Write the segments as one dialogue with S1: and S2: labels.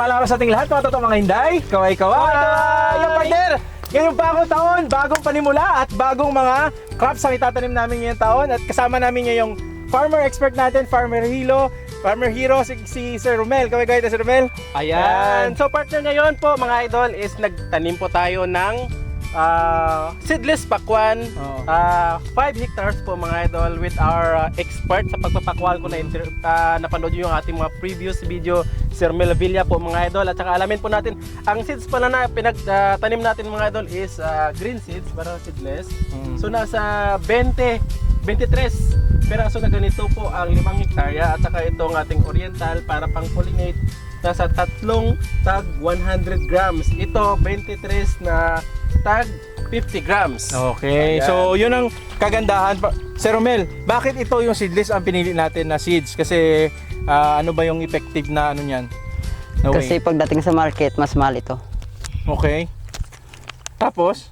S1: mapagpalang araw sa ating lahat, mga totoong mga hinday. Kaway-kaway! Yung partner! Ngayong bagong taon, bagong panimula at bagong mga crops ang itatanim namin ngayong taon. At kasama namin ngayong farmer expert natin, Farmer Hero, si Sir Romel. Kaway-kaway na Sir Romel.
S2: Ayan. So partner, ngayon po mga idol is nagtanim po tayo ng seedless pakwan. 5 hectares po mga idol with our expert sa pagpapakwan ko na napanood nyo yung ating mga previous video, Sir Mel Villa po mga idol. At saka alamin po natin, ang seeds pala na pinagtanim natin mga idol is green seeds, para seedless. So nasa 23 peraso na ganito po ang 5 hektarya. At saka itong ating oriental para pang pollinate, nasa 3 tag 100 grams. Ito 23 na tag 50 grams.
S1: Okay,
S2: Ayan.
S1: so yun ang kagandahan. Sir Romel, bakit ito yung seedless ang pinili natin na seeds? Kasi ano ba yung effective na ano niyan? No
S3: Kasi
S1: way.
S3: pagdating sa market, mas mahal ito.
S1: Okay. Tapos,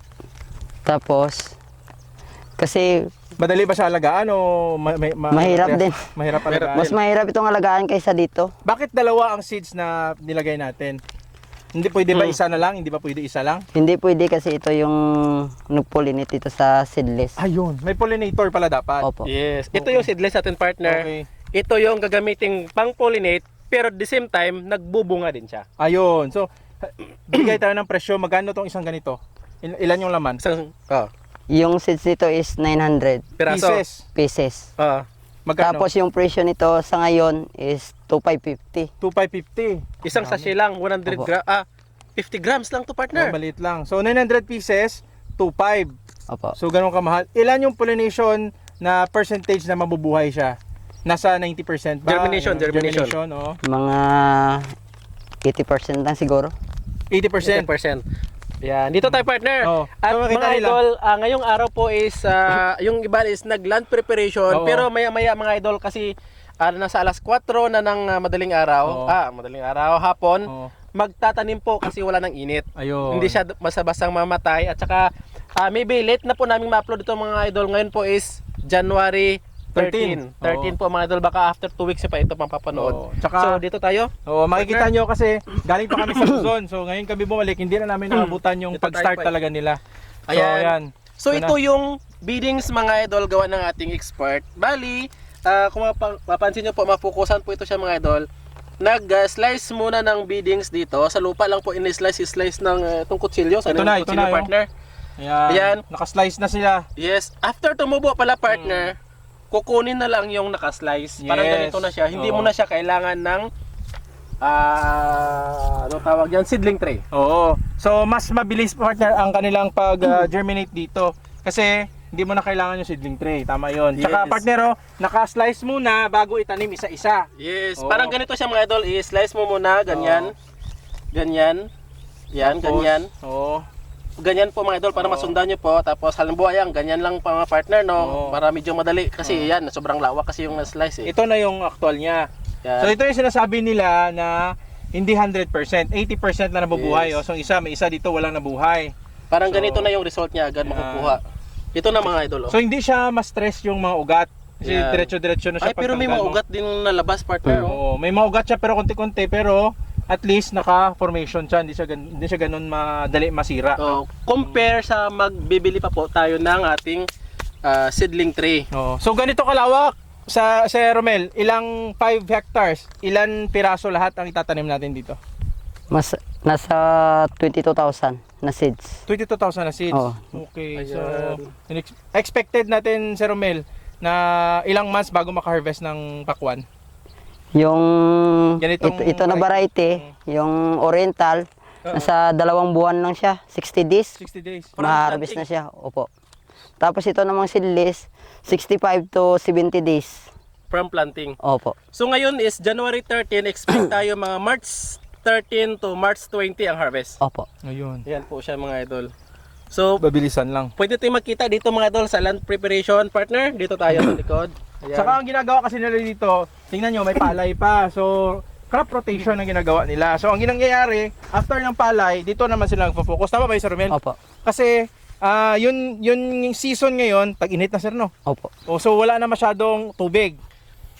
S3: Kasi
S1: madali ba siya alagaan o
S3: mahirap din.
S1: Mahirap alagaan.
S3: Mas mahirap itong alagaan kaysa dito.
S1: Bakit dalawa ang seeds na nilagay natin? Hindi pwede ba isa na lang? Hindi ba pwede isa lang?
S3: Hindi pwede kasi ito yung nag-pollinate dito sa seedless.
S1: Ayun, may pollinator pala dapat.
S3: Opo.
S2: Yes. Ito yung seedless natin partner.
S1: Okay.
S2: Ito yung gagamiting pang pollinate pero at the same time nagbubunga din siya.
S1: Ayun. So, bigay tayo ng presyo. Magkano tong isang ganito? Ilan yung laman?
S2: Isang
S3: Yung seeds nito is 900
S2: piraso.
S3: pieces.
S1: Magkano?
S3: Tapos yung presyo nito sa ngayon is 2,550.
S1: 2,550.
S2: Isang sachet lang 100
S3: Opo.
S2: 50 grams lang to partner.
S1: Maliit lang. So, 900 pieces, 2,500.
S3: Opo.
S1: So, ganun kamahal. Ilan yung pollination na percentage na mabubuhay siya? Nasa 90% ba?
S2: Germination.
S1: Oh.
S3: Mga 80% lang siguro.
S1: 80%.
S2: 10%. Yan, dito tayo partner.
S1: Oh.
S2: At
S1: So, makita
S2: mga
S1: nila.
S2: idol, ngayong araw po is yung iba is nag-land preparation,
S1: Oo.
S2: pero maya-maya mga idol kasi nasa alas 4 na ng madaling araw, hapon,
S1: Oo.
S2: magtatanim po kasi wala ng init.
S1: Ayun.
S2: Hindi siya basta-bastang mamatay at saka maybe late na po namin ma-upload ito mga idol. Ngayon po is January 13. 13 po mga idol, baka after 2 weeks pa ito pang papanood.
S1: Oo. Tsaka,
S2: So dito tayo.
S1: makikita nyo kasi galing pa kami sa Luzon. So, ngayon kami bumalik, hindi na namin naabutan yung
S2: Dito tayo
S1: pag-start
S2: pa.
S1: talaga nila. So,
S2: Ayan.
S1: ayan.
S2: So
S1: Ito
S2: ito yung biddings mga idol gawa ng ating expert. Bali, kung mapansin nyo po, mapukusan po ito siya mga idol. Nag-slice muna ng biddings dito. Sa lupa lang po in-slice ng itong kutsilyo. Sa
S1: Ito na,
S2: kutsilyo
S1: oh.
S2: partner.
S1: Ayan.
S2: Ayan.
S1: Nakaslice na sila.
S2: Yes. After tumubo pala partner, kukunin na lang yung nakaslice. Parang
S1: Yes.
S2: ganito na siya. Hindi
S1: Oo.
S2: mo na siya kailangan ng ano tawag yan? Seedling tray.
S1: Oo. So, mas mabilis partner ang kanilang pag-germinate dito. Kasi, hindi mo na kailangan yung seedling tray. Tama yun. Tsaka
S2: Yes.
S1: partner, nakaslice muna bago itanim isa-isa.
S2: Yes.
S1: Oo.
S2: Parang ganito siya mga idol. I-slice mo muna. Ganyan. Ganyan. Yan,
S1: Tapos,
S2: ganyan.
S1: Oo.
S2: Ganyan po mga idol para
S1: Oo.
S2: masundan nyo po. Tapos halimbawa yan, ganyan lang pa mga partner no.
S1: Oo.
S2: Para medyo madali. Kasi yan, sobrang lawak kasi yung na-slice eh.
S1: Ito na yung actual niya.
S2: Yan.
S1: So, ito yung sinasabi nila na hindi 100%, 80% na nabubuhay.
S2: Yes.
S1: Oh. So, may isa dito walang nabuhay.
S2: Parang
S1: So,
S2: ganito na yung result niya agad
S1: yan.
S2: makukuha. Ito na mga idol. Oh.
S1: So, hindi siya ma-stress yung mga ugat. Kasi
S2: Yan.
S1: diretso-diretso na siya
S2: Ay, pero may
S1: pagtanggal
S2: mga
S1: mo.
S2: ugat din nalabas partner. Oh.
S1: Oo, may mga ugat siya pero konti-konti, pero at least naka-formation siya, hindi siya ganun madali masira.
S2: So, compare sa magbibili pa po tayo ng ating seedling tray.
S1: Oo. So ganito kalawak sa Romel, ilang 5 hectares, ilan piraso lahat ang itatanim natin dito?
S3: Nasa 22,000 na seeds.
S1: 22,000 na seeds.
S3: Oo.
S1: Okay. So
S2: Ayan.
S1: expected natin Sir Romel na ilang months bago maka-harvest ng pakwan.
S3: Yung
S1: Ganitong
S3: ito na variety, yung oriental, nasa 2 buwan lang siya, 60 days.
S1: 60 days.
S3: Ma-harvest na siya. Opo. Tapos ito namang seedless, 65 to 70 days.
S2: From planting.
S3: Opo.
S2: So ngayon is January 13, expect tayo mga March 13 to March 20 ang harvest.
S3: Opo.
S1: Ayun.
S2: Yan po siya mga idol. So,
S1: Babilisan lang.
S2: pwede tayong makita dito mga idol sa land preparation partner. Dito tayo sa likod. Ayan.
S1: Saka ang ginagawa kasi nila dito, tingnan nyo, may palay pa. So, crop rotation ang ginagawa nila. So, ang nangyayari, after ng palay, dito naman sila nagpo-focus. Tama ba yung Sir Romel?
S3: Opo.
S1: Kasi, yun yung season ngayon, tag-init na sir, no?
S3: Opo.
S1: O, so, wala na masyadong tubig.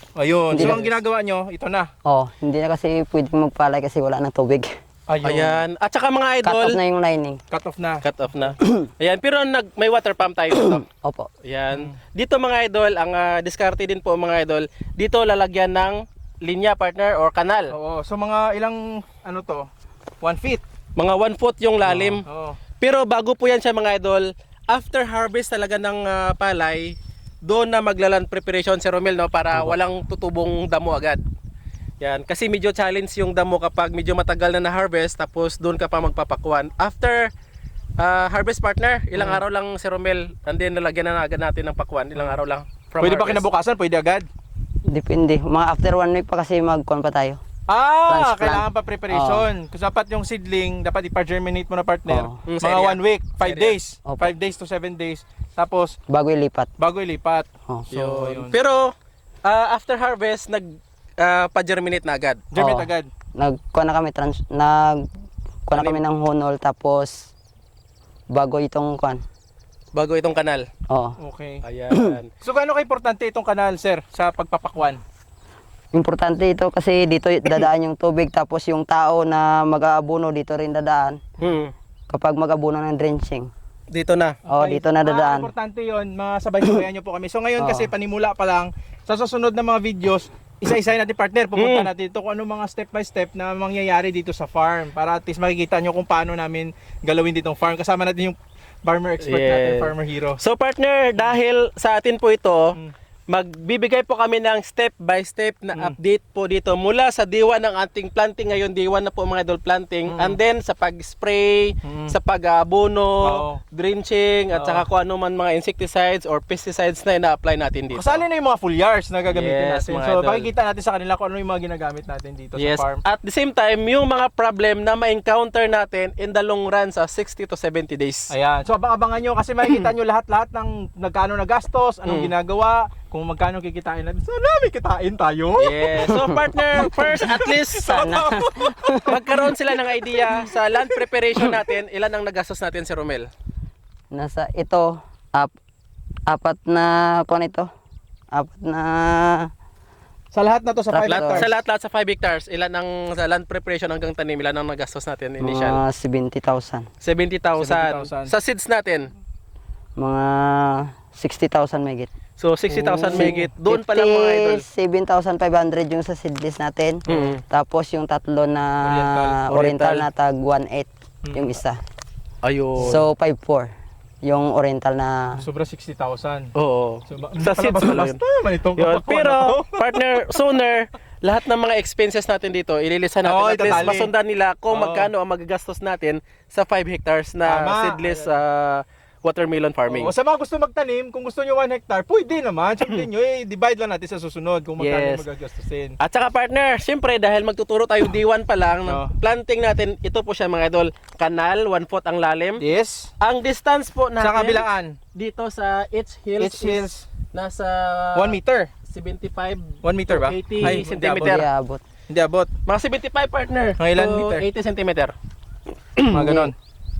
S1: Ayun.
S3: Hindi
S1: So
S3: na-
S1: ang ginagawa nyo, ito na.
S3: Oh, hindi na kasi pwedeng magpalay kasi wala nang tubig.
S1: Ayun.
S2: Ayan. At saka mga
S3: Cut
S2: idol,
S3: off na yung lining.
S1: Cut off na.
S2: cut off na. Ayan, pero may water pump tayo dito.
S3: Opo.
S2: Ayan. Dito mga idol, ang diskarte din po mga idol, dito lalagyan ng linya partner or kanal.
S1: Oo. So mga ilang, ano to? 1 feet.
S2: Mga 1 foot yung lalim.
S1: Oo.
S2: Pero bago po yan siya mga idol, after harvest talaga ng palay, doon na maglaland preparation si Romel, no, para walang tutubong damo agad. Yan, kasi medyo challenge yung damo kapag medyo matagal na na-harvest tapos doon ka pa magpapakuan. After harvest partner, ilang araw lang si Romel, and then nalagyan na agad natin ng pakuan, ilang araw lang. From
S1: Pwede ba
S2: harvest.
S1: kinabukasan? Pwede agad?
S3: Depende. Mga after 1 week pa kasi magkuhan pa tayo.
S1: Ah,
S3: Transplant.
S1: kailangan pa preparation. Kasi dapat yung seedling, dapat ipa-germinate mo na partner.
S3: Oo.
S1: Mga
S2: Sa area.
S1: 1 week, 5
S2: Area.
S1: days.
S3: Opo.
S1: 5 days to 7 days. Tapos,
S3: Bago ilipat.
S1: bago ilipat.
S3: Oh.
S1: So, yun.
S2: Pero after harvest, pa-germinate na agad.
S1: Germinate
S3: Oo.
S1: agad.
S3: Nagkuha na kami nagkuha na kami ng honol tapos bago itong kuhan.
S2: Bago itong kanal.
S3: Oo.
S1: Okay.
S2: Ayan.
S1: So, gaano ka-importante itong kanal, sir, sa pagpapakwan?
S3: Importante ito kasi dito dadaan yung tubig tapos yung tao na mag-aabuno dito rin dadaan kapag mag-abuno ng drenching.
S2: Dito na.
S3: Oh, dito na dadaan.
S1: Importante yun, mga sabay-sabayan nyo po kami. So, ngayon
S3: Oo.
S1: kasi panimula pa lang, sa susunod na mga videos, isa-isa natin partner, pupunta natin dito kung ano mga step by step na mangyayari dito sa farm para at least makikita nyo kung paano namin galawin ditong farm. Kasama natin yung farmer expert natin,
S2: Yeah.
S1: farmer hero.
S2: So partner, dahil sa atin po ito, magbibigay po kami ng step by step na update po dito mula sa diwa ng ating planting ngayon, diwa na po mga idol planting, and then sa pag-spray, sa pag-abono,
S1: Oo.
S2: drenching, at
S1: Oo.
S2: saka kung ano man mga insecticides or pesticides na ina-apply natin dito.
S1: Kasali na yung mga foliars na gagamitin
S2: Yes,
S1: natin.
S2: mga
S1: So,
S2: idol.
S1: makikita natin sa kanila kung ano yung mga ginagamit natin dito
S2: Yes,
S1: sa farm.
S2: at the same time, yung mga problem na ma-encounter natin in the long run sa 60 to 70 days.
S1: Ayan. So, abangan nyo kasi makikita nyo lahat-lahat ng nagkano na gastos, anong ginagawa, kung magkano kikitain natin. Sana may kitain tayo.
S2: Yes. So partner, first at least
S3: Sana.
S2: magkaroon sila ng idea sa land preparation natin, ilan ang nagastos natin si Romel?
S3: Nasa ito apat na kuhan ito. Apat na
S1: Sa lahat na to sa 5
S3: Lahat-
S1: hectares.
S2: Sa lahat-lahat sa 5 hectares, ilan ang sa land preparation hanggang tanim, ilan ang nagastos natin initial?
S3: mga 70,000.
S2: 70,000.
S1: 70,000.
S2: Sa seeds natin,
S3: Mga 60,000 megit.
S2: so 60,000 megit. Doon pa lang mga idol.
S3: 57,500 yung sa seedless natin. Tapos yung tatlo na
S1: Oriental.
S3: oriental na tag 1.8 yung isa.
S2: Ayun.
S3: So 5.4 yung oriental na
S1: Sobra 60,000.
S2: oo.
S1: So,
S2: Sa seeds lang yun.
S1: basta naman itong
S2: Yun.
S1: kapakwan
S2: Pero,
S1: na to.
S2: partner, sooner, lahat ng mga expenses natin dito, ililisan natin.
S1: Oo,
S2: At least
S1: itatali.
S2: masundan nila kung
S1: Oo.
S2: magkano ang magagastos natin sa 5 hectares na
S1: Tama.
S2: seedless watermelon farming.
S1: O, sa mga gusto magtanim, kung gusto nyo 1 hectare, pwede naman. Sabihin nyo, divide lang natin sa susunod kung magkano
S2: Yes.
S1: magagastusin.
S2: At saka partner, siyempre dahil magtuturo tayo D1 pa lang,
S1: Oo.
S2: planting natin, ito po siya mga idol, kanal, 1 foot ang lalim.
S1: Yes.
S2: Ang distance po natin
S1: Sa kabilaan,
S2: dito sa H Hills,
S1: H Hills,
S2: nasa
S1: 1 meter.
S2: 75
S1: 1 meter ba?
S2: 80
S1: Ay,
S2: centimeter.
S3: hindi abot.
S1: Hindi abot.
S2: Mga 75 partner.
S1: Mga ilan
S2: to
S1: meter?
S2: 80 centimeter.
S1: Mga ganon.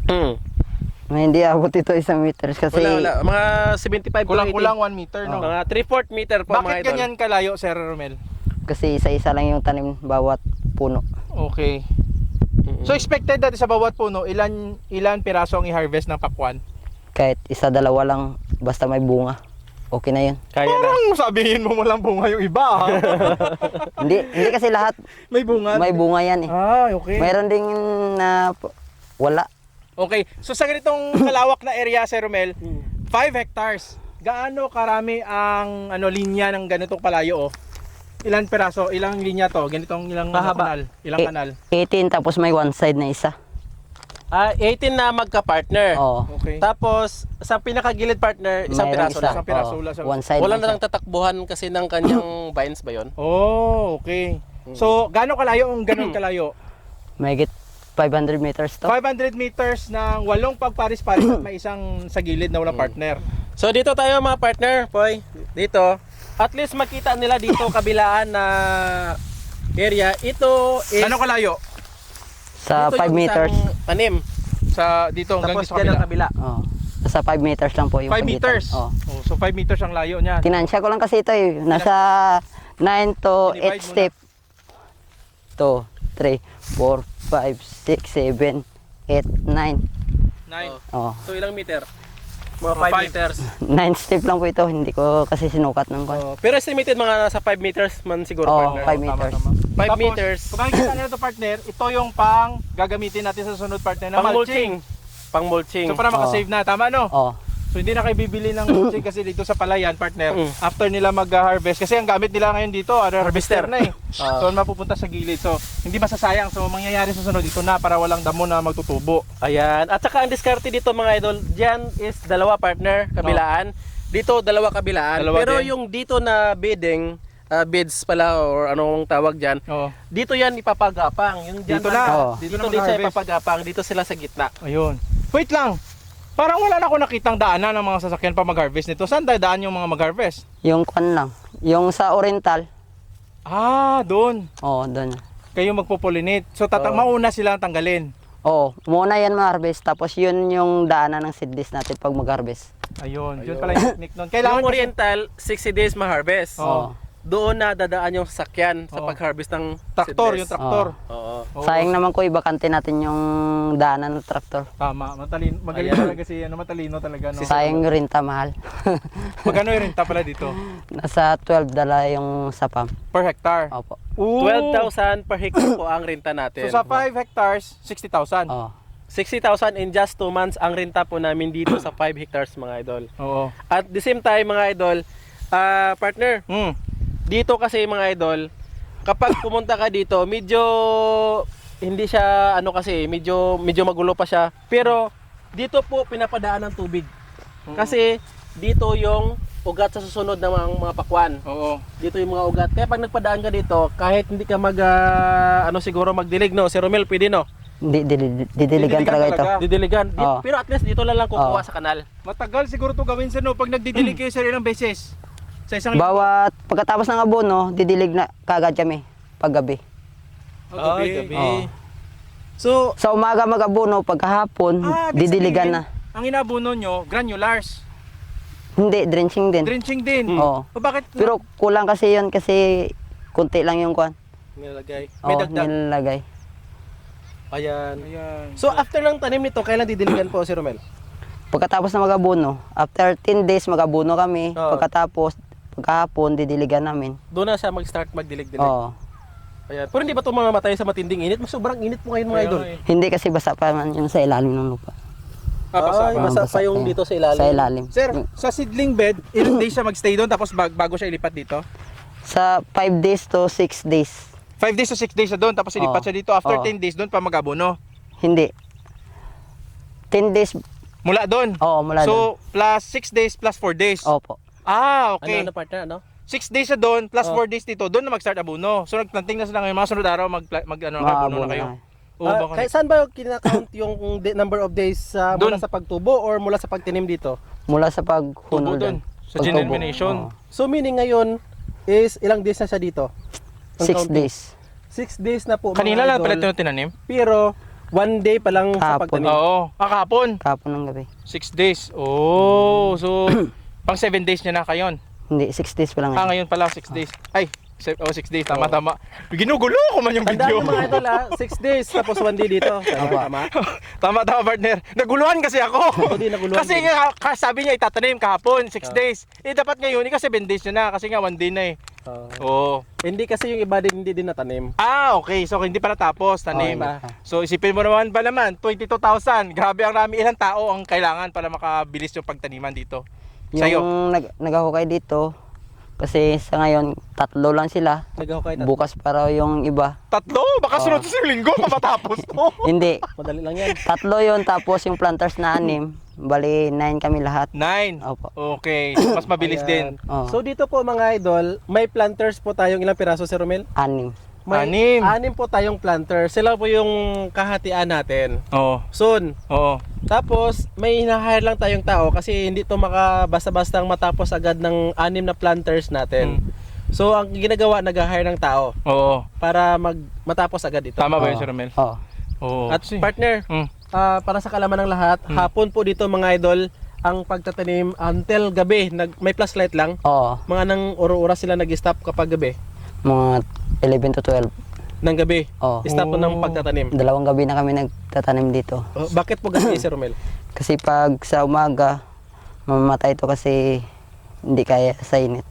S3: May hindi abot ito 1 meters kasi
S2: Wala. Mga 75 to 80.
S1: Kulang-kulang 1 meter, no?
S2: Mga 3/4 meter po mga
S1: Bakit
S2: idol.
S1: ganyan kalayo, Sir Romel?
S3: kasi isa-isa lang yung tanim bawat puno.
S1: Okay. So expected natin sa bawat puno, ilan piraso ang i-harvest ng pakwan?
S3: Kahit isa dalawa lang basta may bunga. Okay na yun.
S2: Kaya na.
S1: Parang sabihin mo walang bunga yung iba, ha?
S3: hindi kasi lahat
S1: May bunga.
S3: may bunga yan eh.
S1: Ah, okay.
S3: Mayroon ding na wala.
S1: Okay. So sa ganitong kalawak na area, Sir Romel, 5 hectares. Gaano karami ang linya ng ganitong palayo, oh? Ilan piraso? Ilang linya to? Ganitong ilang
S2: Mahaba.
S1: kanal? Ilang
S3: Eh,
S1: kanal?
S3: 18 tapos may one side na isa.
S2: 18 na magka-partner.
S3: Oo.
S1: Okay.
S2: Tapos sa pinakagilid partner, isang
S3: Mayroon
S2: piraso
S3: isa.
S2: lang.
S1: Isang piraso
S3: Oo.
S1: lang sa-
S3: One side
S2: Wala
S3: lang
S2: na
S3: siya.
S2: lang tatakbuhan kasi ng kanyang vines ba 'yon?
S1: Oh, okay. So, gaano kalayo ang ganun kalayo?
S3: Mahigit 500 meters to.
S1: 500 meters ng 8 pagparis-paris at may isang sa gilid na walang partner.
S2: So dito tayo mga partner, Poy. Dito. At least makita nila dito kabilaan na area. Ito is
S1: Gaano kalayo?
S3: Sa
S2: dito
S3: 5
S2: yung
S3: meters.
S2: isang tanim.
S1: Sa dito hanggang
S2: Tapos
S1: sa
S2: dyan ang
S1: kabila.
S2: kabila.
S3: Oh. Sa 5 meters lang po yung
S1: 5
S3: pagitan.
S1: meters.
S3: Oh.
S1: Oh, so 5 meters ang layo niya.
S3: Tinansya ko lang kasi ito eh. Nasa 9 to
S1: Divide
S3: 8 step. 2, 3, 4, 5, 6, 7, 8, 9.
S1: 9.
S3: Oh.
S2: So ilang meter? Mga
S1: Mga
S2: 5
S1: five.
S2: meters.
S3: 9 step lang po ito. Hindi ko kasi sinukat ng kwan.
S2: Oh, pero estimated mga nasa 5 meters man siguro,
S3: Oh,
S2: partner.
S3: 5 meters.
S2: 5 meters.
S1: Kung makikita nila ito partner, ito yung pang gagamitin natin sa sunod partner na
S2: Pang
S1: mulching.
S2: mulching. Pang mulching.
S1: So para makasave na, tama no?
S3: Oh.
S1: So hindi na kayo bibili ng mulching kasi dito sa palayan partner, after nila mag-harvest, kasi ang gamit nila ngayon dito, harvester na eh. So mapupunta sa gilid. So hindi masasayang. So mangyayari sa sunod dito na para walang damo na magtutubo.
S2: Ayan. At saka ang diskarte dito mga idol, dyan is dalawa partner, kabilaan. Dito dalawa kabilaan.
S1: Dalawa
S2: pero
S1: din.
S2: yung dito na bidding, bids pala or anong tawag dyan,
S1: Oo.
S2: dito yan ipapagapang. Yung dyan,
S1: Dito na.
S3: Oh.
S2: Dito,
S1: na
S2: din siya
S1: mag-harvest.
S2: ipapagapang. Dito sila sa gitna.
S1: Ayun. Wait lang. Parang wala na ako nakitang daanan ng mga sasakyan pa mag-harvest nito. Saan dadaan yung mga mag-harvest?
S3: Yung kwan lang. Yung sa Oriental.
S1: Ah, doon.
S3: Oh, doon.
S1: Kayo magpo-pollinate. So mauna sila ang tanggalin.
S3: Oh, muna yan ma-harvest. Tapos yun yung daanan ng seedless natin pag mag-harvest.
S1: Ayun. Yun pala yung technique nun. Kailangan
S2: Yung
S1: kasi-
S2: Oriental, 60 days ma-harvest.
S1: Oo.
S2: Doon na dadaan yung sasakyan sa
S1: Oo.
S2: pag-harvest ng
S1: Traktor,
S2: seedless.
S1: yung traktor.
S2: Oo.
S1: Oo.
S3: Sayang naman ko ibakante natin yung daanan ng traktor.
S1: Tama. Matalino. Magaling
S2: Ayan.
S1: talaga si matalino talaga. No?
S3: Sayang yung renta mahal.
S1: Magkano yung renta pala dito?
S3: Nasa 12 dala yung sapam.
S1: Per hectare.
S3: Opo.
S1: Ooh.
S2: 12,000 per hectare po ang renta natin.
S1: So sa 5 hectares, 60,000.
S3: Oh.
S2: 60,000 in just 2 months ang renta po namin dito sa 5 hectares mga idol.
S1: Oo.
S2: At the same time mga idol, partner, dito kasi mga idol, kapag pumunta ka dito, medyo hindi siya kasi, medyo magulo pa siya. Pero dito po pinapadaan ng tubig. Kasi dito yung ugat sa susunod ng mga pakwan.
S1: Oo.
S2: Dito yung mga ugat. Kaya pag nagpadaan ka dito, kahit hindi ka siguro magdilig, no? Si Romel, pwede, no?
S3: Didiligan talaga ito.
S2: Didiligan.
S3: Oo.
S2: Pero at least dito lang kukuha
S3: Oo.
S2: sa kanal.
S1: Matagal siguro to gawin sa no pag nagdidilig kayo sa ilang beses. Sa isang
S3: Bawat pagkatapos ng abono, didilig na kagad kami paggabi.
S1: gabi.
S3: Oo.
S1: So,
S3: Sa umaga mag-abono, pagkahapon,
S1: ibig
S3: didiligan
S1: sabihin,
S3: na.
S1: Ang inabuno nyo, granulars.
S3: Hindi, drenching din.
S1: Drenching din.
S3: Oo.
S1: O bakit?
S3: Pero kulang kasi yun kasi kunti lang yung kwan.
S2: Nilagay. May
S3: Oo,
S2: dagdag.
S3: nilalagay.
S2: Ayan.
S1: Ayan.
S2: So after ng tanim nito, kailan didiligan po si Romel?
S3: Pagkatapos na mag-abono, after 10 days mag-abono kami.
S2: Oo.
S3: Pagkatapos, pagkahapon, didiligan namin.
S2: Doon na siya mag-start magdilig-dilig.
S3: Oo.
S2: Ayan. Pero hindi ba ito mamatay sa matinding init? Mas sobrang init po ngayon mga idol.
S3: Hindi kasi basa pa man yung sa ilalim ng lupa.
S2: Ay, basa pa yung
S3: pa.
S2: dito sa ilalim.
S3: Sa ilalim.
S1: Sir, sa seedling bed, ilang days siya magstay doon tapos bago siya ilipat dito?
S3: Sa 5 days to 6 days.
S1: 5 days to 6 days siya doon tapos ilipat
S3: Oo.
S1: siya dito. After
S3: Oo.
S1: 10 days doon pa mag-abono.
S3: Hindi. 10 days,
S1: Mula doon.
S3: mula
S1: So,
S3: doon.
S1: plus 6 days plus 4 days.
S3: Opo.
S1: Ah, okay.
S2: Ano partner, ano?
S1: 6 days siya doon plus
S2: Oh.
S1: 4 days dito. Doon na mag-start abono. So nagplanting na sila ngayon. Mga sunod araw abono
S3: Maabono
S1: na kayo.
S3: na.
S1: Oo, baka-
S2: Saan ba kinakount yung number of days
S1: Doon.
S2: mula sa pagtubo or mula sa pagtinim dito?
S3: Mula sa
S1: Tubo
S3: paghunol
S1: doon.
S3: doon.
S1: Sa
S3: Pagtubo.
S1: germination.
S3: Oo.
S2: So meaning ngayon is ilang days na siya dito? Ang
S3: 6
S2: counting.
S3: days.
S2: 6 days na po
S1: Kanina lang
S2: mga
S1: pala
S2: idol.
S1: ito tinanim?
S2: Pero 1 day pa lang sa
S3: Kahapon.
S2: pagtanim.
S1: Oo. Kahapon.
S3: Kapon ng gabi.
S1: 6 days. Oh, so pang 7 days niya na kayon.
S3: Hindi, 6 days pa lang.
S1: Ah,
S3: ngayon.
S1: ngayon pala 6 days. Ay, 6 days. Tama, tama. Ginugulo ko man yung
S2: Tandaan
S1: video.
S2: nyo mga idol 6 days tapos 1 day dito. Tama.
S1: tama, partner. Naguluhan kasi ako.
S2: Ako din naguluhan
S1: Kasi
S2: din.
S1: nga, sabi niya itatanim kahapon, 6 days. Eh, dapat ngayon, kasi 7 days niya na. Kasi nga, 1 day na eh. Oo.
S2: Hindi kasi yung iba din hindi din natanim.
S1: Ah, okay. So, hindi pala tapos, tanim.
S2: Oh, iba.
S1: So, isipin mo naman ba naman, 22,000. Grabe ang rami. Ilang tao ang kailangan para makabilis yung pagtaniman dito? Sa'yo?
S3: Yung nag-ahukay dito, kasi sa ngayon, 3 lang sila.
S2: Naghahukay na.
S3: Bukas para yung iba.
S1: 3? Baka sunod sa linggo, matapos to.
S3: Hindi,
S2: Madali lang yan.
S3: 3 yun, tapos yung planters na 6. Bali, 9 kami lahat.
S1: 9.
S3: Opo.
S1: Okay. So, mas mabilis din.
S2: Ayan.
S3: Oo.
S2: So dito po mga idol, may planters po tayong ilang piraso Sir Romel?
S3: 6.
S2: May
S1: 6.
S2: 6 po tayong planters. Sila po yung kahatian natin.
S1: Oo.
S2: Soon.
S1: Oo.
S2: Tapos may hina-hire lang tayong tao kasi hindi to makabasta-bastang matapos agad ng 6 na planters natin. So ang ginagawa, nag-hire ng tao
S1: Oo.
S2: para matapos agad ito.
S1: Tama ba yun,
S3: Oo.
S1: Sir Romel?
S3: Oo.
S1: Oo.
S2: At partner,
S1: Mm.
S2: para sa kalaman ng lahat, hapon po dito mga idol ang pagtatanim until gabi. May flashlight lang.
S3: Oo.
S2: Mga nang oras sila nag-stop kapag gabi.
S3: Mga 11 to 12.
S2: ng gabi.
S3: Oh.
S2: Start po ng pagtatanim.
S3: 2 gabi na kami nagtatanim dito.
S2: Oh, bakit po gabi, Sir Romel?
S3: Kasi pag sa umaga, mamamatay ito kasi hindi kaya sa init.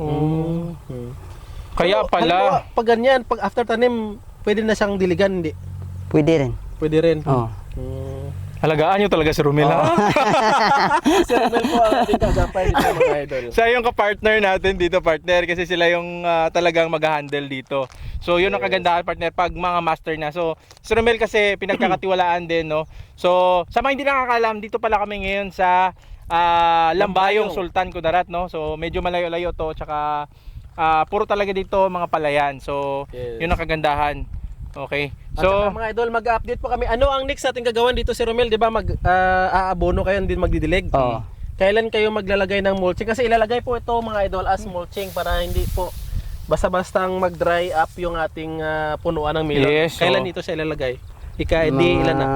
S1: Kaya
S2: Pero,
S1: pala.
S2: halimbawa, pag ganyan, pag after tanim, pwede na siyang diligan, hindi?
S3: Pwede rin.
S2: Pwede rin.
S3: Oh.
S1: Alagaan nyo talaga si Romel, ha?
S2: Sir Romel po ang ating kagapay dito, mga idol.
S1: Siya yung kapartner natin dito, partner, kasi sila yung talagang mag-handle dito. So yun ang kagandahan, partner, pag mga master na. So si Romel kasi pinagkakatiwalaan din, no? So sa mga hindi nakakaalam, dito pala kami ngayon sa Lambayong Sultan Kudarat, no? So medyo malayo-layo to, tsaka puro talaga dito mga palayan. So
S2: Yes.
S1: yun ang kagandahan. Okay.
S2: At saka,
S1: So
S2: mga idol, mag-update po kami. Ano ang next natin gagawin dito, Sir Romel? Di ba aabono kayo, din magdidilig?
S3: Oo.
S2: Kailan kayo maglalagay ng mulching? Kasi ilalagay po ito, mga idol, as mulching para hindi po basta-bastang mag-dry up yung ating punuan ng melon.
S1: Yes,
S2: Kailan
S1: so-
S2: ito siya ilalagay? Di ilan na?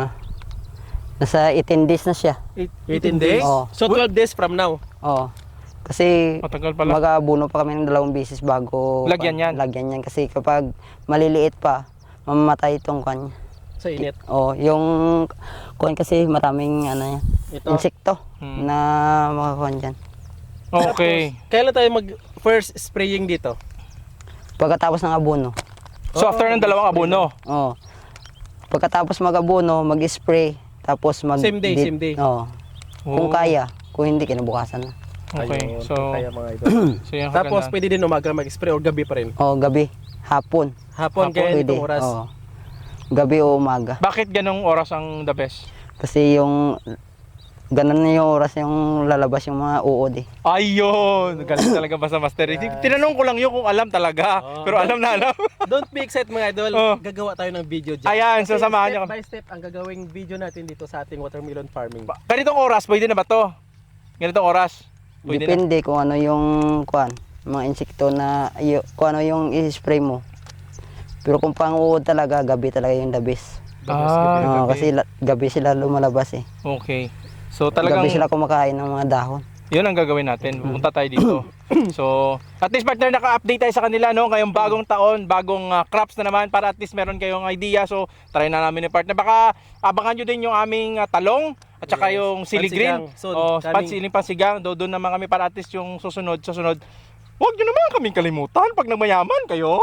S3: Nasa 18 days na siya.
S2: 18 days?
S3: Oo.
S2: So 12 days from now.
S3: Oo. Kasi
S1: matagal pala.
S3: mag-aabuno pa kami ng 2 beses bago
S1: Lagyan yan.
S3: Lagyan yan kasi kapag maliliit pa, mamamatay itong kanya.
S2: Sa init.
S3: Oh, yung kuan kasi maraming ano yan,
S2: Ito.
S3: insekto na makakuan diyan.
S1: Okay.
S2: Tapos, kailan tayo first spraying dito?
S3: Pagkatapos ng abono.
S1: So after ng dalawang abono.
S3: Oh. Pagkatapos mag-abono, mag-spray, tapos
S2: Same day.
S3: Oh. Kung kaya, kung hindi kinabukasan na.
S1: Okay.
S2: Ayun,
S1: So
S2: kaya mga idol.
S1: so yun ang
S2: Tapos
S1: kagandahan.
S2: pwede din umaga mag-spray or gabi pa rin.
S3: Oh, gabi, hapon.
S2: Hapon kaya
S3: Pwede.
S2: itong oras.
S3: Oh. Gabi o umaga.
S1: Bakit ganong oras ang the best?
S3: Kasi yung ganun na yung oras yung lalabas yung mga uod eh.
S1: Ayun! Galing talaga ba sa master? Tinanong ko lang yun kung alam talaga. Pero alam na alam.
S2: Don't be excited mga idol.
S1: Oh.
S2: Gagawa tayo ng video dyan.
S1: Ayan,
S2: Kasi
S1: sasamahan niyo
S2: step by step ang gagawing video natin dito sa ating watermelon farming.
S1: Ganitong oras, pwede na ba to? Ganitong oras? Pwede na.
S3: Depende kung ano yung kuan, mga insekto na kung ano yung i-spray mo. Pero kung pang uod talaga, gabi talaga yung the best. Oo, kasi gabi sila lumalabas eh.
S1: Okay. So talagang
S3: Gabi sila kumakain ng mga dahon.
S1: yun ang gagawin natin. Pupunta tayo dito. So, at least partner, naka-update tayo sa kanila, no? Ngayong bagong taon, bagong crops na naman para at least meron kayong idea. So, try na namin ni partner. Baka abangan nyo din yung aming talong at saka yung sili green.
S2: Pansigang. So,
S1: O,
S2: kaming-
S1: pansigang. Doon naman kami para at least yung susunod. Huwag nyo naman kaming kalimutan pag nagmayaman kayo.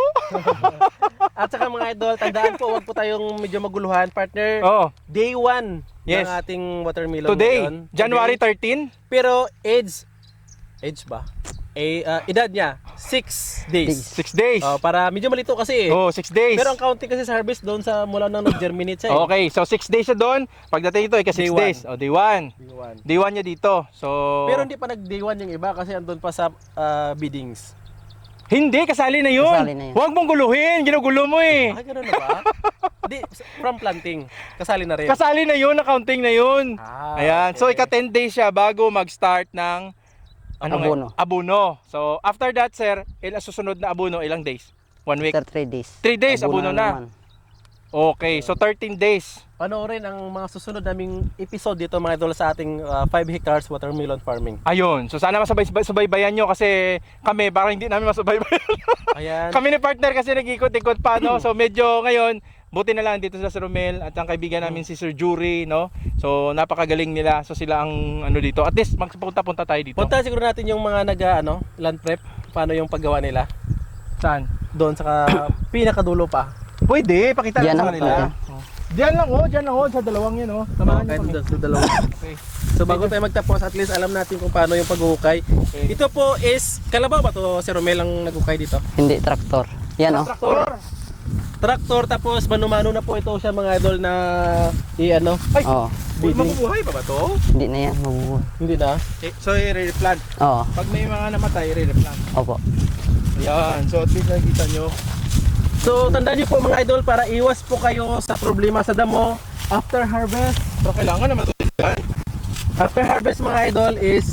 S2: At saka mga idol, tandaan po, huwag po tayong medyo maguluhan, partner.
S1: Oh,
S2: Day 1
S1: Yes.
S2: ng ating watermelon
S1: today,
S2: ngayon.
S1: January
S2: Today.
S1: 13.
S2: Pero age ba? Edad niya, 6 days.
S1: 6 days.
S2: Oh, para medyo malito kasi eh.
S1: Oh, 6 days.
S2: Pero ang counting kasi sa harvest doon sa mula nang nag-germinate siya eh.
S1: Okay, so 6 days siya doon. Pagdating ito, ika 6
S2: Day
S1: days. O, day 1.
S2: Day 1.
S1: Day 1 niya dito. So,
S2: Pero hindi pa nag-day 1 yung iba kasi andun pa sa biddings.
S1: hindi, kasali na yun.
S3: Kasali na yun.
S1: Huwag mong guluhin, ginugulo mo eh.
S2: Ay, gano'n na ba? Hindi, from planting. Kasali na rin.
S1: Kasali na yun, accounting na yun. Ayan, so
S2: okay.
S1: ika 10 days siya bago mag-start ng
S3: Abono.
S1: Abono. So, after that, sir, susunod na abono, ilang days? 1 week?
S3: After 3 days.
S1: 3 days, abono na.
S3: naman.
S1: Okay, so 13 days.
S2: Panoorin ang mga susunod naming episode dito mga idol sa ating 5 hectares watermelon farming.
S1: Ayun, so sana masubaybayan nyo kasi kami, parang hindi namin masubaybayan.
S2: Ayan.
S1: Kami ni partner kasi nag-ikot-ikot pa, no? So medyo ngayon, buti na lang dito sa Sir Romel at ang kaibigan namin si Sir Jury, no? So napakagaling nila. So sila ang ano dito. At least magpunta-punta tayo dito.
S2: Punta siguro natin yung mga land prep, paano yung paggawa nila.
S1: Saan?
S2: Doon sa pinakadulo pa.
S1: Pwede, pakita
S3: Diyan
S1: lang sa
S3: lang,
S1: kanila. Diyan lang, sa dalawang yan, oh. Samahan nyo
S2: Kahit
S1: kami.
S2: doon sa dalawa.
S1: Okay.
S2: So bago tayo magtapos, at least alam natin kung paano yung paghuhukay. Ito po is, kalabaw ba to si Romel ang naghukay dito?
S3: Hindi, traktor. Yan oh.
S1: Traktor.
S2: Traktor tapos mano-mano na po ito siya mga idol na i-ano.
S1: Ay,
S3: Oo.
S1: mabubuhay pa ba to?
S3: Hindi na yan, mabubuhay.
S2: Hindi na.
S1: So i-replant.
S3: Oo.
S1: Pag may mga namatay, i-replant.
S3: Opo.
S1: Ayan, so at least nakikita nyo.
S2: So tandaan niyo po mga idol para iwas po kayo sa problema sa damo after harvest.
S1: Pero kailangan naman ito.
S2: After harvest mga idol is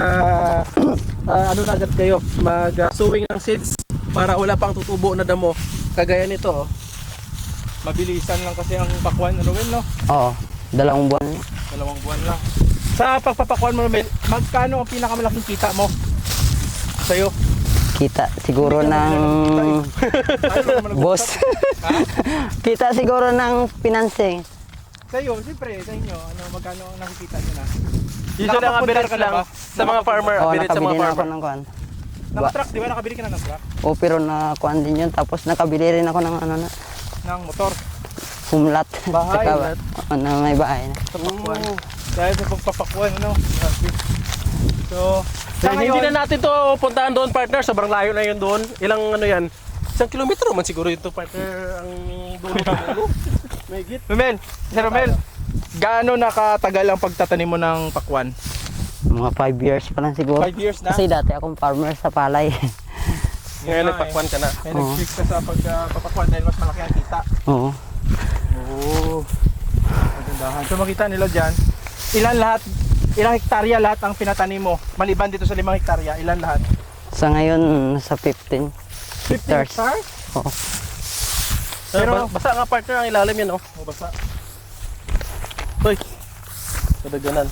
S2: ano na agad kayo mag-sowing ng seeds para wala pang tutubo na damo. Kagaya nito oh.
S1: Mabilisan lang kasi ang pakwan, Romel, no?
S3: Oo. 2 buwan.
S1: 2 buwan lang. Sa pagpapakwan mo, Romel, magkano ang pinakamalaking kita mo? Sa'yo?
S3: Kita siguro ng boss. Kita siguro ng financing.
S1: Sa iyo, siyempre, sa inyo, magkano ang nakikita nyo na?
S2: Usually ang ability
S1: ka na
S2: lang
S1: ba?
S2: sa mga farmer,
S3: Oo,
S2: ability sa
S3: nakabili
S2: mga
S3: na ako
S2: farmer.
S3: ng kuan.
S1: Naka-truck, di ba? Nakabili ka na ng truck?
S3: O pero na kuan din yun. Tapos nakabili rin ako ng ano na,
S1: Ng motor?
S3: humlat.
S1: Bahay,
S3: Tsaka,
S1: humlat.
S3: na may bahay na.
S1: Sa pakwan. Dahil sa pagpapakuan, ano? Grabe. So, sa
S2: Hindi
S1: ngayon,
S2: na natin to puntahan doon, partner. Sobrang layo na yun doon. Ilang ano yan? 1 kilometro man siguro ito, partner. Ang dulo. May git.
S1: Romel, Sir Romel, gaano nakatagal ang pagtatanim mo ng pakwan?
S3: Mga 5 years pa lang siguro.
S1: 5 years na?
S3: Kasi dati akong farmer sa palay.
S2: Ngayon nagpakwan ka na.
S1: May nag-shift ka sa pagpapakwan dahil mas malaki ang kita.
S3: Oo.
S1: Oo. Magandahan. So makita nila dyan, ilang hektarya lahat ang pinatanim mo? Maliban dito sa 5 hektarya, ilan lahat?
S3: Sa ngayon, sa 15 hectares.
S1: hectares?
S3: Oo.
S1: Pero-
S2: Basta nga, partner, ang ilalim yan, oh.
S1: O basta.
S2: Hoy. Kadaganan.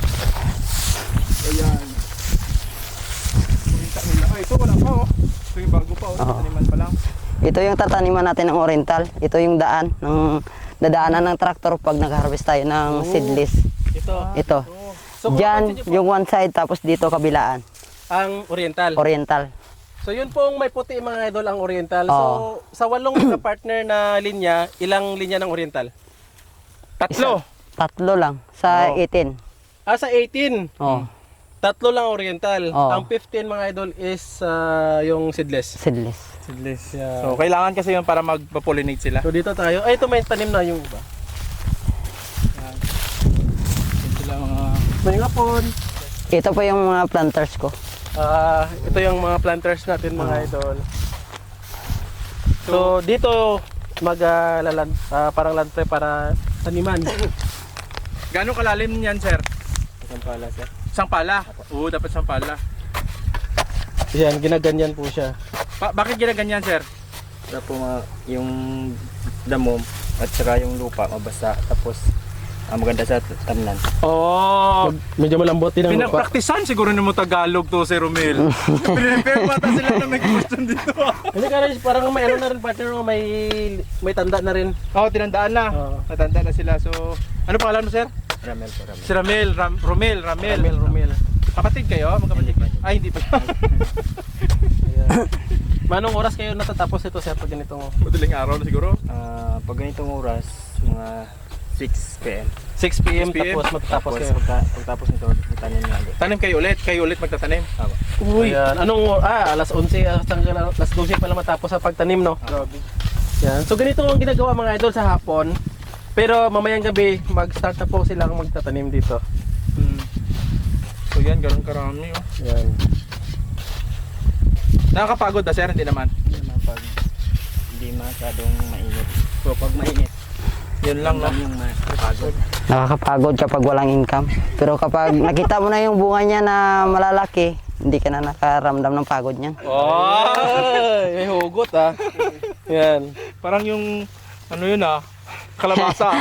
S1: Ayan. Makita nila. Ay, ito wala pa oh. Ito yung bago pa oh.
S3: Oo.
S1: Taniman pa lang.
S3: Ito yung tataniman natin ng oriental. Ito yung daan ng dadaanan ng traktor pag nag-harvest tayo ng seedless.
S2: Ito.
S3: Ito.
S2: So, kung
S3: Diyan
S2: mapapansin niyo po,
S3: yung one side tapos dito kabilaan.
S2: ang oriental.
S3: Oriental.
S2: So yun pong may puti mga idol ang oriental. So
S3: Oo.
S2: sa 8 na partner na linya, ilang linya ng oriental?
S1: Tatlo.
S3: Tatlo lang sa
S2: Oo.
S3: 18.
S2: Sa 18.
S3: Oh,
S2: Tatlo lang oriental.
S3: Oo.
S2: Ang 15 mga idol is yung seedless.
S3: seedless.
S1: Seedless.
S2: Yeah.
S1: So kailangan kasi yun para mag-pollinate sila.
S2: So dito tayo. Ay, ito may tanim na yung iba.
S1: Yun sila mga...
S2: May ngapon.
S3: Ito po yung mga planters ko.
S2: Ito yung mga planters natin mga idol. So dito parang land prep para taniman.
S1: Gano'ng kalalim niyan, sir?
S2: Isang pala sir.
S1: Isang pala? Oo, dapat isang pala.
S2: Yan, ginaganyan po siya.
S1: Bakit ginaganyan, sir?
S4: Para po yung damo at saka yung lupa mabasa tapos maganda sa tamnan.
S1: Oh,
S2: Medyo malambot din ang lupa.
S1: pinagpraktisan siguro ni mo Tagalog to, Sir Romel. Prepare pa ta sila na may question dito.
S2: Hindi ka rin, parang may ano na rin partner, may tanda na rin.
S1: Oo, tinandaan na.
S2: Oo.
S1: Natanda na sila. So, ano pangalan mo, sir?
S4: Ramel po, ramel.
S1: Si Ramel, Ramel.
S2: Romel.
S1: Kapatid kayo? Magkapatid? Ay, hindi pa.
S2: Ayan. Manong oras kayo natatapos ito sir pag ganitong
S1: Madaling araw na siguro.
S4: Pag ganitong oras, mga 6 p.m.
S2: 6 p.m.
S1: 6 p.m.
S2: tapos matatapos
S4: Tapos
S2: kayo.
S4: pagtapos nito, itanim na agad.
S1: Tanim kayo ulit magtatanim.
S4: Tama.
S2: Ayan. Alas 11 hanggang alas 12 pa lang matapos sa pagtanim, no?
S1: Grabe.
S2: Yan. So ganito ang ginagawa mga idol sa hapon. Pero mamayang gabi, mag-start na po silang magtatanim dito.
S1: So yan, ganun karami. Oh.
S2: Yan.
S1: Nakakapagod na, sir? Hindi naman.
S4: Hindi naman pag hindi masyadong mainit. So pag mainit,
S1: Yun lang, no?
S4: yung mapagod.
S3: Nakakapagod kapag walang income. Pero kapag nakita mo na yung bunga niya na malalaki, hindi ka na nakaramdam ng pagod niyan.
S1: Oh!
S2: Ay, may hugot ah. Yan.
S1: Parang yung, ano yun kalabasa.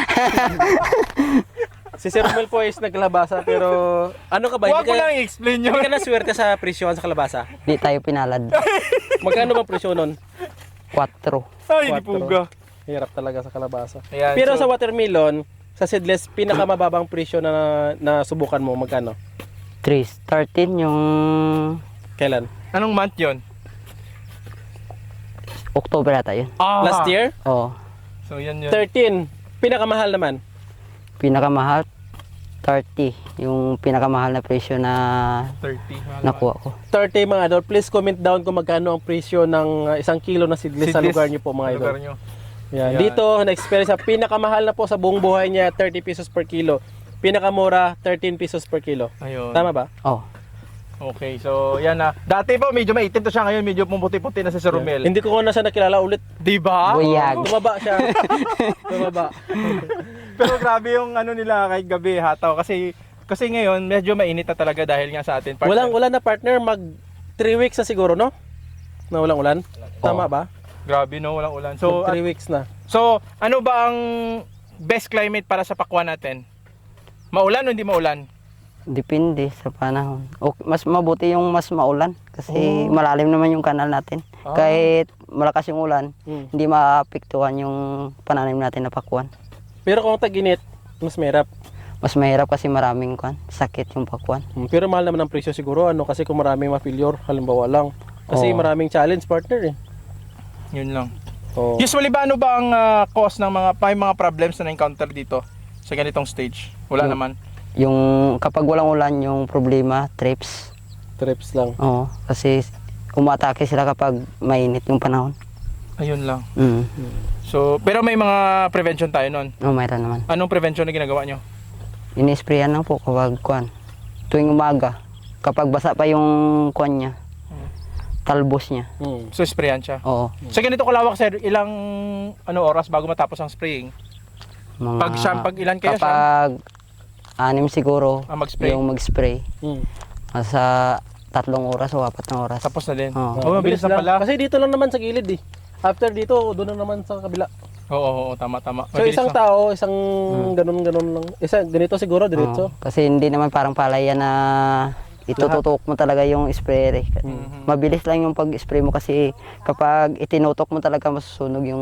S2: Si Sir Romel po is nagkalabasa pero ano ka ba?
S1: Huwag ko lang i-explain yun.
S2: Hindi ka na swerte sa presyon sa kalabasa.
S3: Hindi tayo pinalad.
S2: Magkano ba presyon nun?
S3: 4.
S1: Ay, hindi
S2: 4.
S1: puga.
S2: Hirap talaga sa kalabasa.
S1: Ayan,
S2: Pero
S1: so-
S2: sa watermelon, sa seedless, pinakamababang presyo na subukan mo, magkano?
S3: 13 yung
S2: Kailan?
S1: Anong month yun?
S3: October ata yun.
S2: Last year?
S3: Oo.
S1: So yan yun.
S2: 13. Pinakamahal naman.
S3: Pinakamahal 30 yung pinakamahal na presyo na
S1: 30.
S3: nakuha ko.
S2: 30 mga idol. Please comment down kung magkano ang presyo ng 1 kilo na seedless sa
S1: Seedless.
S2: lugar niyo po mga idol.
S1: Lugar nyo.
S2: Yan.
S1: Yan.
S2: Dito, na-experience sa pinakamahal na po sa buong buhay niya, 30 pesos per kilo. Pinakamura, 13 pesos per kilo.
S1: Ayun.
S2: Tama ba?
S3: Oh.
S1: Okay, so yan na. Dati po medyo maitim to siya, ngayon medyo pumuti-puti na si Sir Romel.
S2: Hindi ko na siya nakilala ulit.
S1: Di ba?
S3: Buyag.
S2: Tumaba siya. Tumaba.
S1: Pero grabe yung ano nila kahit gabi hataw kasi ngayon medyo mainit na talaga dahil nga sa atin.
S2: Walang ulan na partner, mag 3 weeks na siguro, no? Na walang ulan? Tama
S3: Oo.
S2: ba?
S1: Grabe no, walang ulan.
S2: So,
S1: So
S2: 3 weeks na.
S1: so ano ba ang best climate para sa pakwan natin? Maulan o hindi maulan?
S3: Depende sa panahon. Mas mabuti yung mas maulan kasi malalim naman yung kanal natin. Kahit malakas yung ulan, hindi maapektuhan yung pananim natin na pakwan.
S2: Pero kung tag-init, mas mahirap.
S3: Mas mahirap kasi maraming sakit yung pakwan.
S2: Pero mahal naman ang presyo siguro, ano, kasi kung maraming ma-failure, halimbawa lang. Kasi
S3: Oo.
S2: maraming challenge, partner eh.
S1: Yun lang.
S2: Oh.
S1: Usually ba ano ba ang cause ng mga problems na na-encounter dito sa ganitong stage? Wala naman.
S3: Yung kapag walang ulan, yung problema, trips.
S2: Trips lang.
S3: Oo, kasi umatake sila kapag mainit yung panahon.
S1: Ayun lang.
S3: Mm.
S1: So, pero may mga prevention tayo nun.
S3: Mayroon naman.
S1: Anong prevention na ginagawa nyo?
S3: Ini-sprayan lang po kapag tuwing umaga. Kapag basa pa yung niya, talbos niya.
S1: So, sprayan siya.
S3: Oo.
S1: Sa ganito kalawak, sir, ilang oras bago matapos ang spraying? Pag ilan kayo,
S3: kapag 6 siguro
S1: mag-spray?
S3: yung mag-spray. Sa 3 oras o 4 na oras.
S1: Tapos na din.
S3: Oo.
S1: Oh, mabilis na pala.
S2: Kasi dito lang naman sa gilid eh. After dito, doon na naman sa kabila.
S1: Oo, tama.
S2: So
S1: Mabilis
S2: isang
S1: na.
S2: tao, isang ganun-ganun lang. Ganito siguro, diretso.
S3: Kasi hindi naman parang palayan na itututok mo talaga yung sprayer. Mabilis lang yung pag-spray mo kasi kapag itinutok mo talaga masusunog yung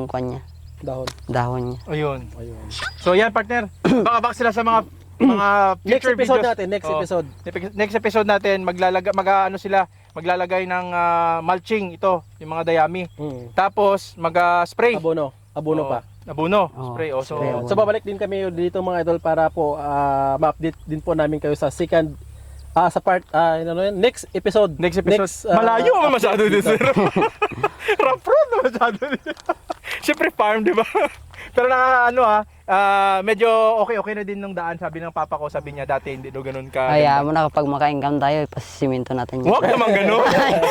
S3: dahon niya.
S1: Ayun. So, yan, partner. Baka sila sa mga
S2: Next
S1: future
S2: episode
S1: videos.
S2: natin, next
S1: Oo.
S2: episode.
S1: Next episode natin, maglalagay ng mulching ito, yung mga dayami. Tapos mag-spray.
S2: Abono pa.
S1: Abono,
S3: Oo,
S1: spray. So,
S3: spray, abono.
S2: So babalik din kami dito mga idol para po ma-update din po namin kayo sa second sa part next episode.
S1: next episode. Malayo naman masyado dito, sir. Rough road na masyado dito. Siyempre farm, di ba? Pero medyo okay na din nung daan. Sabi ng papa ko, sabi niya dati hindi daw ganun ka.
S3: Kaya mo na kapag maka-income tayo, ipasisimento natin yun.
S1: Huwag naman ganun.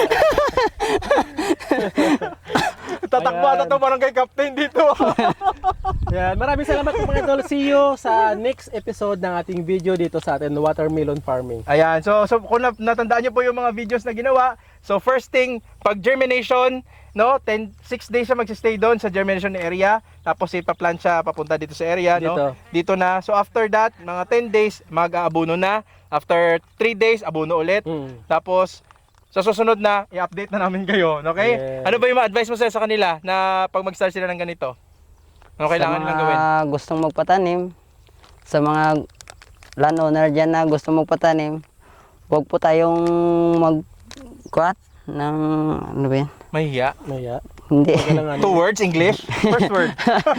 S1: Tatakbo parang kay Captain dito.
S2: Yan, maraming salamat po mga idol. See you sa next episode ng ating video dito sa atin watermelon farming.
S1: Ayan, so kung natandaan niyo po yung mga videos na ginawa, so first thing, pag germination, 6 days siya magsistay doon sa germination area, tapos ipaplant siya papunta dito sa area, dito na. So after that, mga 10 days, mag-aabono na. After 3 days, abono ulit. Tapos, sa susunod na, i-update na namin kayo, okay?
S2: Yeah.
S1: Ano ba yung advice mo sa kanila na pag mag-start sila ng ganito? Ano kailangan nilang gawin?
S3: Sa mga gustong magpatanim, sa mga landowner dyan na gustong magpatanim, huwag po tayong mag-kuat ng, ano ba yan?
S1: Mahiya.
S3: Hindi.
S1: 2 words, English? First word.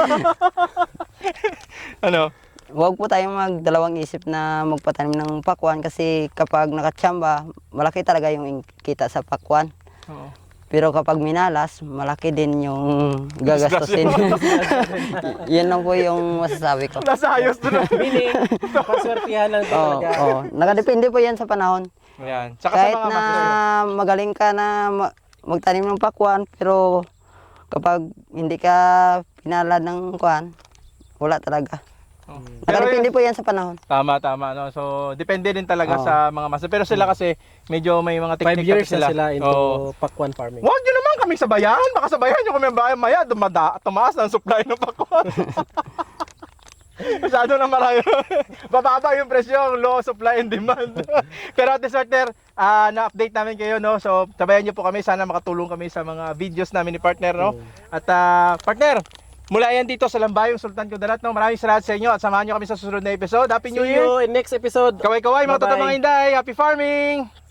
S1: Ano?
S3: Huwag po tayong magdalawang isip na magpatanim ng pakwan kasi kapag nakatsamba, malaki talaga yung kita sa pakwan.
S1: Oo.
S3: Pero kapag minalas, malaki din yung gagastusin. Yan lang po yung masasabi ko.
S1: Nasa ayos doon.
S2: Meaning, paswertihan lang talaga.
S3: Oo. Nakadepende po yan sa panahon.
S1: Ayan. Saka
S3: Kahit
S1: sa mga
S3: na magaling ka na magtanim ng pakwan, pero kapag hindi ka pinalad ng kwan, wala talaga. Nakadepende po yan sa panahon.
S1: Tama. No? So, depende din talaga
S3: Oo.
S1: sa mga master. Pero sila kasi, medyo may mga
S2: 5
S1: technique
S2: years
S1: sila.
S2: na sila into
S1: Oo.
S2: pakwan farming.
S1: Huwag nyo naman kaming sabayan. Baka sabayan nyo kami maya, tumaas na ang supply ng pakwan. Masyado na marami. Bababa yung presyo, low supply and demand. Pero at least, partner, na-update namin kayo, no? So, sabayan nyo po kami. Sana makatulong kami sa mga videos namin ni partner, no? At, partner, mula yan dito sa Lambayong Sultan Kudarat, no? Maraming salamat sa inyo at samahan nyo kami sa susunod na episode. Happy New
S2: See
S1: Year!
S2: you in next episode.
S1: Kaway-kaway, mga
S2: Bye-bye.
S1: totoong mga Inday! Happy farming!